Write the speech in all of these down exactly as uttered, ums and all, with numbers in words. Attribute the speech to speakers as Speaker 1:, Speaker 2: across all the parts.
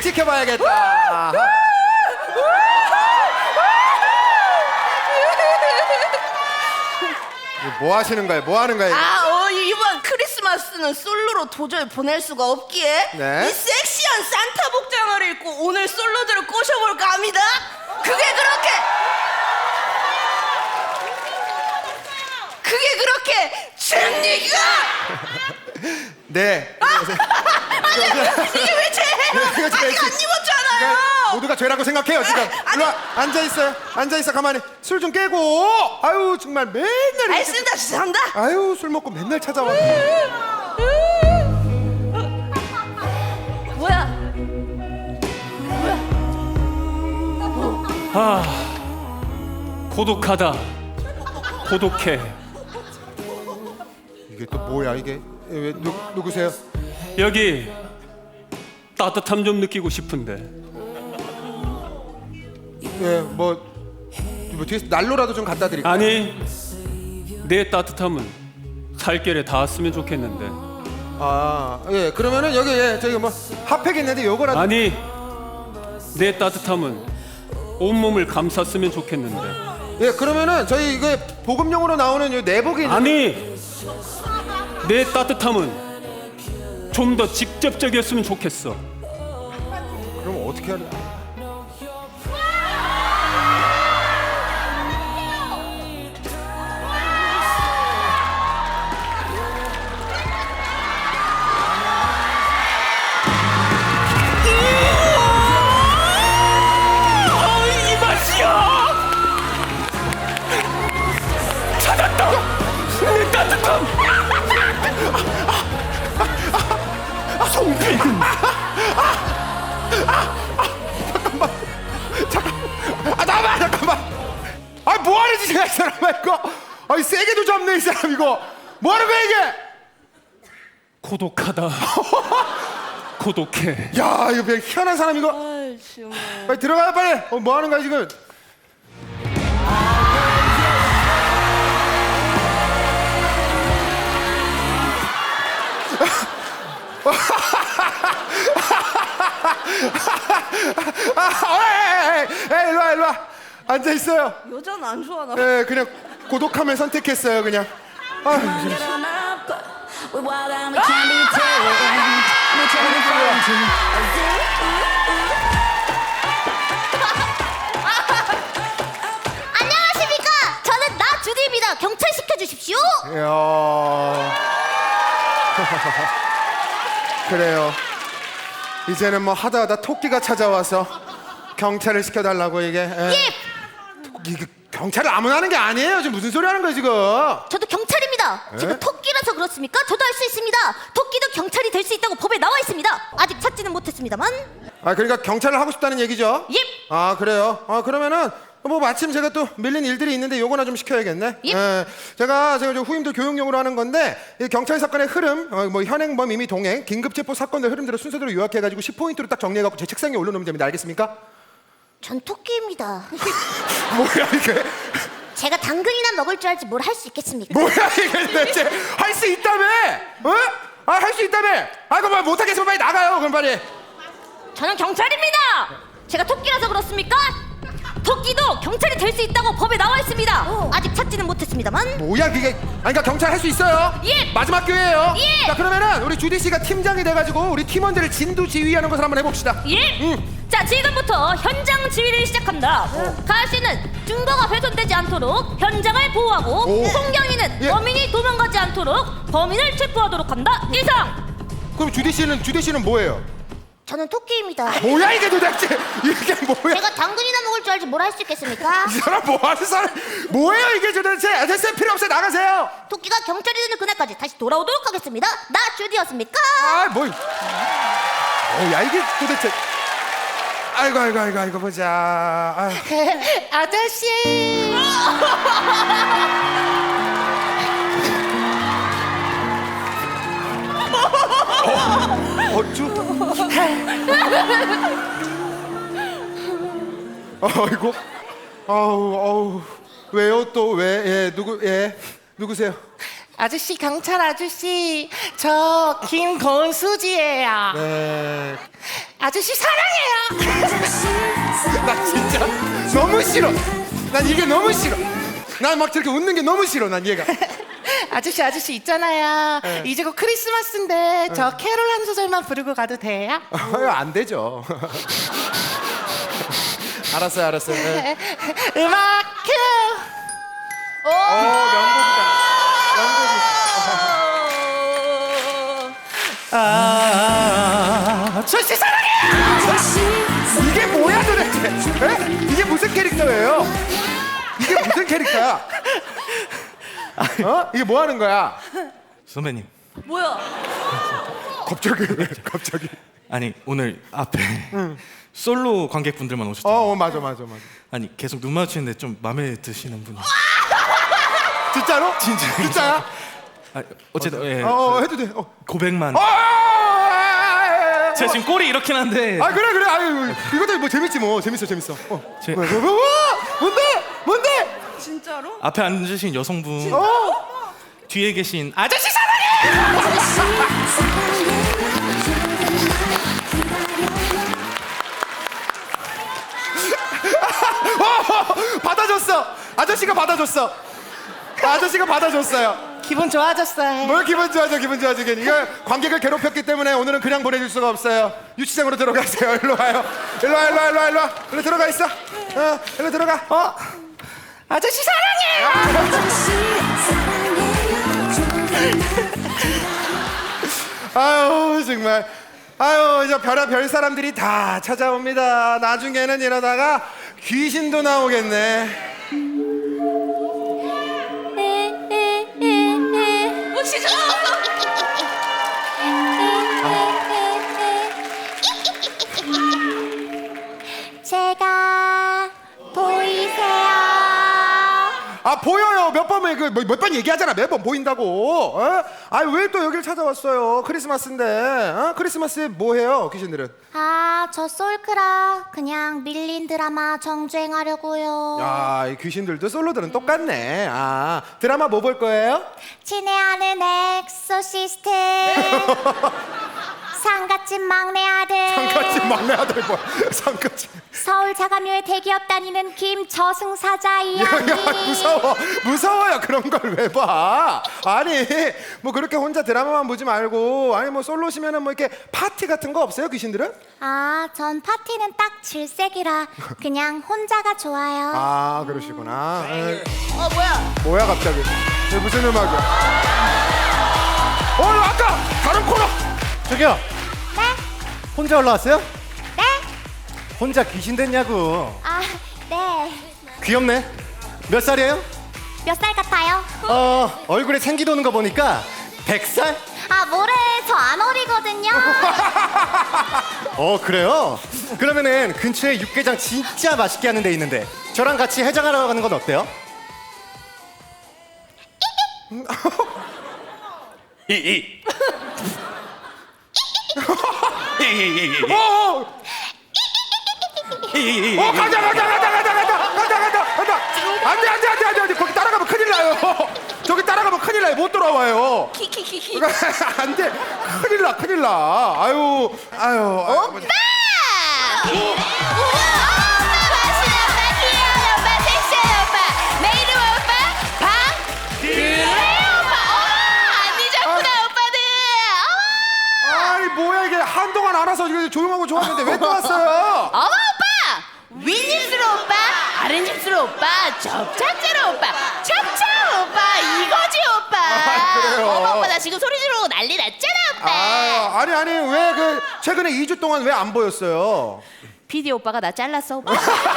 Speaker 1: 지켜봐야겠다. 뭐 하시는 거예요? 뭐 하는 거예요?
Speaker 2: 아, 어, 이번 크리스마스는 솔로로 도저히 보낼 수가 없기에
Speaker 1: 네.
Speaker 2: 이 섹시한 산타 복장을 입고 오늘 솔로들을 꼬셔볼까 합니다. 그게 그렇게 그게 그렇게 됩니까?
Speaker 1: 네.
Speaker 2: 아니, 이게 왜 죄예요? 아직 안 입었잖아요.
Speaker 1: 모두가 죄라고 생각해요 지금.
Speaker 2: 아니.
Speaker 1: 일로 와, 앉아 있어요. 앉아 있어 가만히. 술 좀 깨고. 아유 정말 맨날. 이렇게-
Speaker 2: 알겠습니다. 죄송합니다.
Speaker 1: 아유 술 먹고 맨날 찾아와.
Speaker 2: 뭐야?
Speaker 3: 아, 고독하다. 고독해.
Speaker 1: 이게 또 뭐야 이게? 왜 누, 누구세요?
Speaker 3: 여기 따뜻함 좀 느끼고 싶은데.
Speaker 1: 예, 뭐, 뭐 뒤에서 난로라도 좀 갖다 드릴까요?
Speaker 3: 아니, 내 따뜻함은 살결에 닿았으면 좋겠는데.
Speaker 1: 아, 예, 그러면은 여기 예, 저기 뭐 핫팩 있는데 요거라도.
Speaker 3: 아니, 내 따뜻함은 온몸을 감쌌으면 좋겠는데.
Speaker 1: 예, 그러면은 저희 이거 보급용으로 나오는 요 내복이 있는데.
Speaker 3: 아니, 내 따뜻함은 좀 더 직접적이었으면 좋겠어.
Speaker 1: 그럼 어떻게 하냐?
Speaker 3: 어, 이 맛이야! 찾았다! 내 따뜻함! 송빈!
Speaker 1: 아, 나만 잠깐만. 아, 뭐 하는 짓이야 이 사람아 이거? 아이 세게도 잡네 이 사람 이거. 뭐 하는 거야 이게?
Speaker 3: 고독하다. 고독해.
Speaker 1: 야, 이거 그냥 희한한 사람 이거.
Speaker 2: 아이, 정말.
Speaker 1: 빨리 들어가요 빨리. 어, 뭐 하는 거야 지금? 아, 에이, 에이, 에이, 일로 와 일로 와. 앉아 있어요.
Speaker 2: 여자는 안 좋아하나?
Speaker 1: 예, 그냥 고독함을 선택했어요 그냥. 아,
Speaker 4: 안녕하십니까? 저는 나 주디입니다. 경찰 시켜주십시오.
Speaker 1: 이야. 그래요. 이제는 뭐 하다 하다 토끼가 찾아와서 경찰을 시켜달라고 이게. 예.
Speaker 4: 예,
Speaker 1: 이게 경찰을 아무나 하는 게 아니에요. 지금 무슨 소리 하는 거야 지금?
Speaker 4: 저도 경찰입니다. 제가 토끼라서 그렇습니까? 저도 할 수 있습니다. 토끼도 경찰이 될 수 있다고 법에 나와 있습니다. 아직 찾지는 못했습니다만.
Speaker 1: 아, 그러니까 경찰을 하고 싶다는 얘기죠?
Speaker 4: 예.
Speaker 1: 아, 그래요. 아, 그러면은 뭐 마침 제가 또 밀린 일들이 있는데 요거나 좀 시켜야겠네.
Speaker 4: 예.
Speaker 1: 예. 제가 제가 저 후임들 교육용으로 하는 건데 이 경찰 사건의 흐름, 어, 뭐 현행범 임의 동행, 긴급 체포 사건들 흐름대로 순서대로 요약해가지고 십 포인트로 딱 정리해갖고 제 책상에 올려놓으면 됩니다. 알겠습니까?
Speaker 4: 전 토끼입니다.
Speaker 1: 뭐야 이게?
Speaker 4: 제가 당근이나 먹을 줄 알지 뭘 할 수 있겠습니까?
Speaker 1: 뭐야 이게 대체? 할 수 있다며? 어? 아, 할 수 있다며? 아, 그럼 못하겠으면 빨리 나가요. 그럼 빨리.
Speaker 4: 저는 경찰입니다. 제가 토끼라서 그렇습니까? 토끼도 경찰이 될 수 있다고 법에 나와 있습니다. 아직 찾지는 못했습니다만.
Speaker 1: 뭐야 그게? 아니 그러니까 경찰 할 수 있어요.
Speaker 4: 예.
Speaker 1: 마지막 기회예요.
Speaker 4: 예.
Speaker 1: 자, 그러면은 우리 주디 씨가 팀장이 돼가지고 우리 팀원들을 진두지휘하는 것을 한번 해봅시다.
Speaker 4: 예.
Speaker 1: 응.
Speaker 4: 자, 지금부터 현장 지휘를 시작합니다. 가을 씨는 증거가 훼손되지 않도록 현장을 보호하고,
Speaker 1: 오.
Speaker 4: 송경이는
Speaker 1: 예.
Speaker 4: 범인이 도망가지 않도록 범인을 체포하도록 한다. 이상.
Speaker 1: 그럼 주디 씨는 주디 씨는 뭐예요?
Speaker 4: 저는 토끼입니다.
Speaker 1: 뭐야 이게 도대체? 이게 뭐야?
Speaker 4: 제가 당근이나 먹을 줄 알지 뭘 할 수 있겠습니까?
Speaker 1: 이 사람 뭐 하는 사람? 뭐예요 이게 도대체? 아, 됐어요, 필요 없어요, 나가세요.
Speaker 4: 토끼가 경찰이 되는 그날까지 다시 돌아오도록 하겠습니다. 나 주디였습니까?
Speaker 1: 아, 뭐? 뭐야 이게 도대체? 아이고 아이고 아이고 아이고 보자. 아유.
Speaker 2: 아저씨.
Speaker 1: 어쭈? 아이고, 아우, 아우, 왜요 또 왜? 예, 누구? 예, 누구세요?
Speaker 2: 아저씨, 경찰 아저씨. 저 김건수지예요.
Speaker 1: 네,
Speaker 5: 아저씨 사랑해요.
Speaker 1: 나 진짜 너무 싫어. 난 이게 너무 싫어. 난 막 저렇게 웃는 게 너무 싫어. 난 얘가.
Speaker 5: 아저씨 아저씨 있잖아요. 이제 곧 크리스마스인데 저 캐롤 한 소절만 부르고 가도 돼요?
Speaker 1: 어, 안 되죠. 알았어요, 알았어요. 네.
Speaker 5: 음악 큐.
Speaker 1: 오, 명곡이다. 명곡이.
Speaker 5: 아, 아저씨 사랑해요.
Speaker 1: 이게 뭐야 도대체? 에? 이게 무슨 캐릭터예요? 이게 무슨 캐릭터야? 어? 이게 뭐 하는 거야?
Speaker 6: 선배님,
Speaker 2: 뭐야?
Speaker 1: 갑자기 왜? 갑자기?
Speaker 6: 아니 오늘 앞에 솔로 관객분들만
Speaker 1: 어,
Speaker 6: 오셨잖아요.
Speaker 1: 어, 맞아, 맞아, 맞아.
Speaker 6: 아니 계속 눈 마주치는데 좀 마음에 드시는 분이.
Speaker 1: 진짜로?
Speaker 6: 진짜.
Speaker 1: 진짜야?
Speaker 6: 아, 어쨌든 예,
Speaker 1: 어, 어, 해도 돼. 어.
Speaker 6: 고백만.
Speaker 1: 어, 아, 아, 아,
Speaker 6: 제가 지금 꼴이 이렇게 난데.
Speaker 1: 아, 그래, 그래. 아유, 이것도 뭐 재밌지 뭐. 재밌어, 재밌어. 어.
Speaker 6: 제-
Speaker 1: 뭐, 뭐, 뭐, 뭐? 뭔데? 뭔데?
Speaker 2: 진짜로?
Speaker 6: 앞에 앉으신 여성분
Speaker 1: 어?
Speaker 6: 뒤에 계신 아저씨 사랑해.
Speaker 1: 어, 받아줬어. 아저씨가 받아줬어. 아저씨가 받아줬어요.
Speaker 5: 기분 좋아졌어요.
Speaker 1: 뭘 기분 좋아져, 기분 좋아져. 이거 관객을 괴롭혔기 때문에 오늘은 그냥 보내줄 수가 없어요. 유치장으로 들어가세요. 일로 와요. 일로 와, 일로 와, 일로 와, 일로 와. 일로 들어가 있어. 어, 일로 들어가.
Speaker 5: 어? 아저씨 사랑해요.
Speaker 1: 아유, 정말. 아유, 이제 별의별 사람들이 다 찾아옵니다. 나중에는 이러다가 귀신도 나오겠네.
Speaker 2: 어, 진짜?
Speaker 4: 제가 보이세요?
Speaker 1: 아, 보여요. 몇 번을 그몇 번 얘기하잖아. 매번 보인다고. 어? 아, 왜 또 여길 찾아왔어요? 크리스마스인데. 어? 크리스마스에 뭐 해요, 귀신들은?
Speaker 4: 아, 저 솔크라 그냥 밀린 드라마 정주행하려고요.
Speaker 1: 야, 이 귀신들도 솔로들은 똑같네. 아, 드라마 뭐 볼 거예요?
Speaker 4: 친애하는 엑소시스트. 상갓집 막내 아들.
Speaker 1: 상갓집 막내 아들 뭐야? 상갓집.
Speaker 4: 서울 자가묘에 대기업 다니는 김저승사자
Speaker 1: 야,
Speaker 4: 이야기.
Speaker 1: 야, 무서워. 무서워요. 그런 걸 왜 봐? 아니, 뭐 그렇게 혼자 드라마만 보지 말고, 아니 뭐 솔로시면은 뭐 이렇게 파티 같은 거 없어요, 귀신들은?
Speaker 4: 아, 전 파티는 딱 질색이라 그냥 혼자가 좋아요.
Speaker 1: 아, 그러시구나. 에이,
Speaker 2: 어, 뭐야?
Speaker 1: 뭐야 갑자기? 이게 무슨 음악이야? 어, 아까 다른 코너.
Speaker 7: 저기요.
Speaker 4: 네?
Speaker 7: 혼자 올라왔어요?
Speaker 4: 네?
Speaker 7: 혼자 귀신 됐냐고.
Speaker 4: 아, 네.
Speaker 7: 귀엽네. 몇 살이에요?
Speaker 4: 몇 살 같아요?
Speaker 7: 어, 얼굴에 생기 도는 거 보니까 백 살?
Speaker 4: 아, 뭐래. 저 안 어리거든요.
Speaker 7: 어, 그래요? 그러면은 근처에 육개장 진짜 맛있게 하는 데 있는데 저랑 같이 해장하러 가는 건 어때요?
Speaker 3: 이이 이이이이
Speaker 1: 어, 어, 어, 가자, 가자, 가자, 가자, 가자, 가자, 가자, 가자. 안돼, 안돼, 안돼, 안돼, 안돼. 거기 따라가면 큰일 나요. 저기 따라가면 큰일 나요. 못 돌아와요.
Speaker 2: 키키키키.
Speaker 1: 안돼, 큰일 나, 큰일 나. 아유, 아유.
Speaker 2: 오빠! 그래? 우와, 오빠 맛있는 오빠, 귀여운 오빠, 섹시한 오빠. 내 이름 오빠? 방? 그래 오빠. 어머, 안 잊었구나 오빠들. 어머.
Speaker 1: 아니 뭐야 이게 한동안 알아서 이렇게 조용하고 좋았는데 왜 또 왔어요?
Speaker 2: 어머 오빠! 윗입술 오빠, 아랫입술 오빠, 접착제로 오빠, 찹찹 오빠, 이거지 오빠.
Speaker 1: 아, 그래요?
Speaker 2: 어머 오빠 나 지금 소리 지르고 난리 났잖아 오빠.
Speaker 1: 아, 아니 아니 왜 그 최근에 이 주 동안 왜 안 보였어요?
Speaker 2: 피디 오빠가 나 잘랐어 오빠.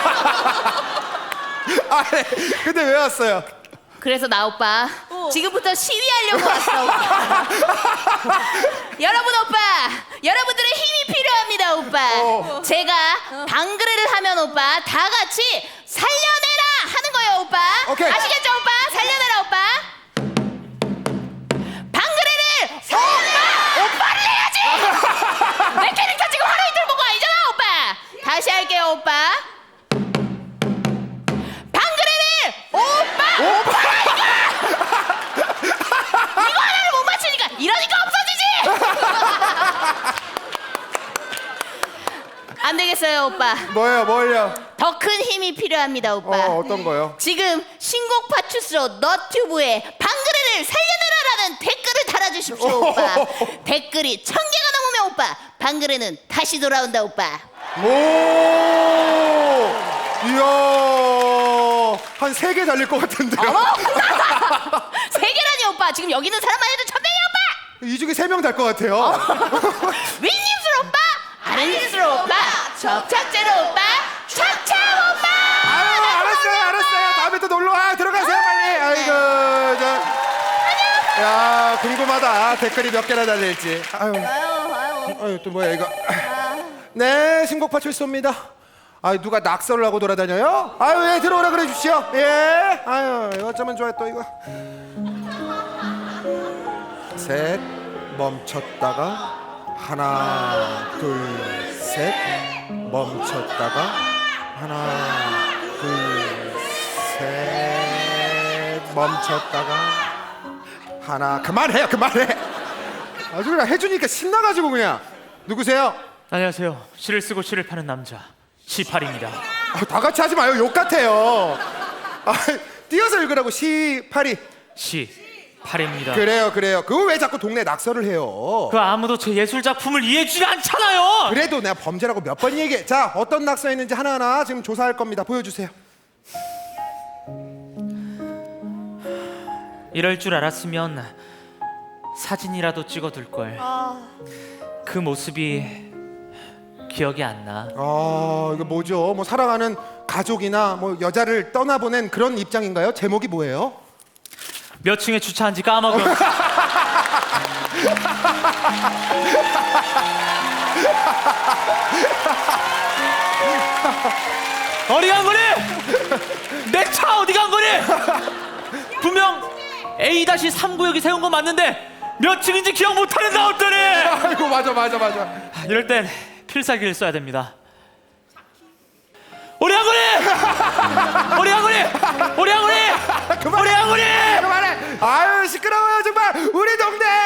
Speaker 1: 아니 근데 왜 왔어요?
Speaker 2: 그래서 나 오빠 지금부터 시위하려고 왔어 오빠. 여러분 오빠, 여러분들의 힘이 필요합니다 오빠.
Speaker 1: 어.
Speaker 2: 제가 방그레를 하면 오빠 다 같이 살려내라 하는 거예요 오빠.
Speaker 1: 오케이.
Speaker 2: 아시겠죠 오빠? 살려내라 오빠. 방그레를 오빠 오빠를 해야지. 내 캐릭터 지금 하루 이틀 보고 아니잖아 오빠. 다시 할게요 오빠. 방그레를 오빠 오빠 이거 하나를 못 맞추니까 이러니까 없어지지. 생각했어요, 오빠.
Speaker 1: 뭐예요, 뭘요?
Speaker 2: 더 큰 힘이 필요합니다, 오빠.
Speaker 1: 어, 어떤 거요?
Speaker 2: 지금 신곡 파출소 너튜브에 방그레를 살려내라라는 댓글을 달아주십시오, 오빠. 댓글이 천 개가 넘으면 오빠 방그레는 다시 돌아온다, 오빠.
Speaker 1: 오, 이야, 한 세 개 달릴 것 같은데요.
Speaker 2: 어머, 세 개라니 오빠. 지금 여기 있는 사람만 해도 천 명이야, 오빠.
Speaker 1: 이 중에 세 명 달 것 같아요.
Speaker 2: 윗입술 오빠, 아랫입술 오빠, 접착제로 오빠, 착착 오빠.
Speaker 1: 아유, 알았어요, 알았어요. 다음에 또 놀러 와. 들어가세요, 빨리. 아이고, 저. 야, 궁금하다. 댓글이 몇 개나 달릴지. 아유, 아유, 또 뭐야 이거. 네, 신곡 파출소입니다. 아, 누가 낙서를 하고 돌아다녀요? 아유, 예, 들어오라 그래 주시오. 예. 아유, 이거 어쩌면 좋아 또 이거. 셋, 멈췄다가 하나, 둘, 셋, 멈췄다가 하나, 둘, 셋, 멈췄다가 하나. 그만해요, 그만해. 아주 그냥 해주니까 신나가지고 그냥. 누구세요?
Speaker 8: 안녕하세요. 시를 쓰고 시를 파는 남자 시팔입니다.
Speaker 1: 아, 다 같이 하지 마요. 욕 같아요. 아, 띄어서 읽으라고. 시파리.
Speaker 8: 시팔입니다.
Speaker 1: 그래요, 그래요. 그거 왜 자꾸 동네 낙서를 해요?
Speaker 8: 그 아무도 제 예술 작품을 이해해주지 않잖아요.
Speaker 1: 그래도 내가 범죄라고 몇 번 얘기해. 자, 어떤 낙서였는지 하나하나 지금 조사할 겁니다. 보여주세요.
Speaker 8: 이럴 줄 알았으면 사진이라도 찍어둘 걸. 그 모습이 기억이 안 나.
Speaker 1: 아, 이거 뭐죠? 뭐 사랑하는 가족이나 뭐 여자를 떠나보낸 그런 입장인가요? 제목이 뭐예요?
Speaker 8: 몇 층에 주차한지 까먹어. 어디 간 거니? 내 차 어디 간 거니? 분명 에이 삼 구역이 세운 거 맞는데 몇 층인지 기억 못하는 나 어떠니?
Speaker 1: 아이고, 맞아, 맞아, 맞아.
Speaker 8: 이럴 땐 필살기를 써야 됩니다. 우리 한구리! 우리 한구리! 우리 한구리! 우리 한구리!
Speaker 1: 그만해. 아유, 시끄러워요 정말. 우리 동네